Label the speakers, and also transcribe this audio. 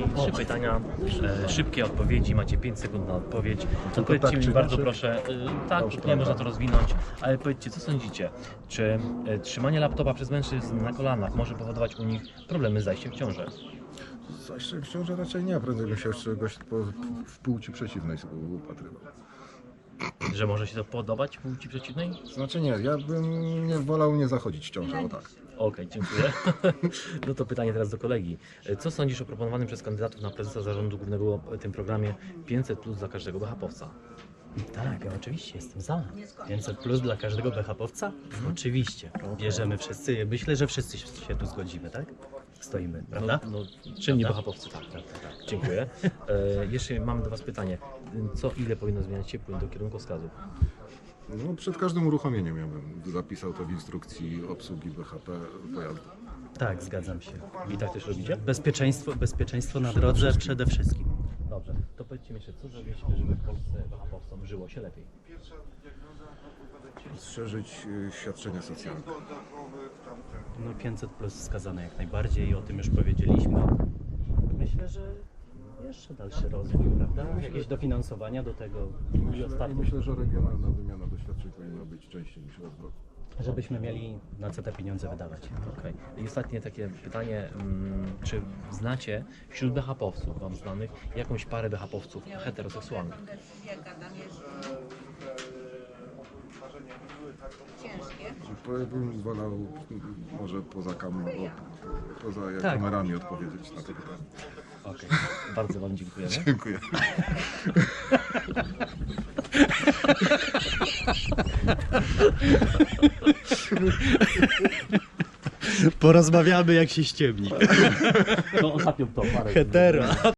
Speaker 1: Trzy pytania, szybkie odpowiedzi, macie 5 sekund na odpowiedź. To powiedzcie
Speaker 2: tak
Speaker 1: mi
Speaker 2: czy
Speaker 1: bardzo
Speaker 2: inaczej?
Speaker 1: proszę, tak,
Speaker 2: Dobrze,
Speaker 1: nie można
Speaker 2: tak.
Speaker 1: to rozwinąć, ale powiedzcie, co sądzicie? Czy trzymanie laptopa przez mężczyzn na kolanach może powodować u nich problemy z zajściem w ciążę?
Speaker 2: Zajście w ciąży raczej nie, prędzej bym się czegoś w płci przeciwnej upatrywał.
Speaker 1: Że może się to podobać płci przeciwnej?
Speaker 2: Znaczy nie, ja bym nie wolał nie zachodzić w ciążę, o tak.
Speaker 1: Okej, dziękuję. No to pytanie teraz do kolegi. Co sądzisz o proponowanym przez kandydatów na prezesa zarządu głównego tym programie 500+ dla każdego BHP-owca?
Speaker 3: Tak, ja oczywiście jestem za. 500 plus dla każdego BHP-owca? Oczywiście. Bierzemy wszyscy. Myślę, że wszyscy się tu zgodzimy, tak? Stoimy, prawda?
Speaker 1: No, czynni BHP-owcy, tak. Dziękuję. Jeszcze mam do Was pytanie. Co ile powinno zmieniać się płyn do kierunkowskazów?
Speaker 2: No, przed każdym uruchomieniem ja bym zapisał to w instrukcji obsługi BHP pojazdu.
Speaker 3: Tak, zgadzam się.
Speaker 1: I tak też robicie?
Speaker 3: Bezpieczeństwo na drodze przede wszystkim.
Speaker 1: Dobrze. To powiedzcie mi jeszcze, co zrobiliśmy, żeby w Polsce BHP-owcom żyło się lepiej?
Speaker 2: Strzeżyć świadczenia socjalne.
Speaker 3: No 500 plus wskazane jak najbardziej, o tym już powiedzieliśmy. Myślę, że jeszcze dalszy rozwój, prawda? Jakieś dofinansowania do tego i ostatnie,
Speaker 2: Myślę, że regionalna wymiana doświadczeń powinna być częściej niż raz w roku.
Speaker 3: żebyśmy mieli na co te pieniądze wydawać.
Speaker 1: Okej. I ostatnie takie pytanie, czy znacie wśród BHP-owców, Wam znanych, jakąś parę BHP-owców heteroseksualnych?
Speaker 4: Ciężkie.
Speaker 2: Bym wolał może poza
Speaker 3: Tak.
Speaker 2: kamerami odpowiedzieć na to pytanie.
Speaker 1: Okej. Bardzo Wam dziękujemy.
Speaker 2: Dziękuję.
Speaker 3: Porozmawiamy jak się ściemni.
Speaker 1: No ostatnią to parę.
Speaker 3: Hetero.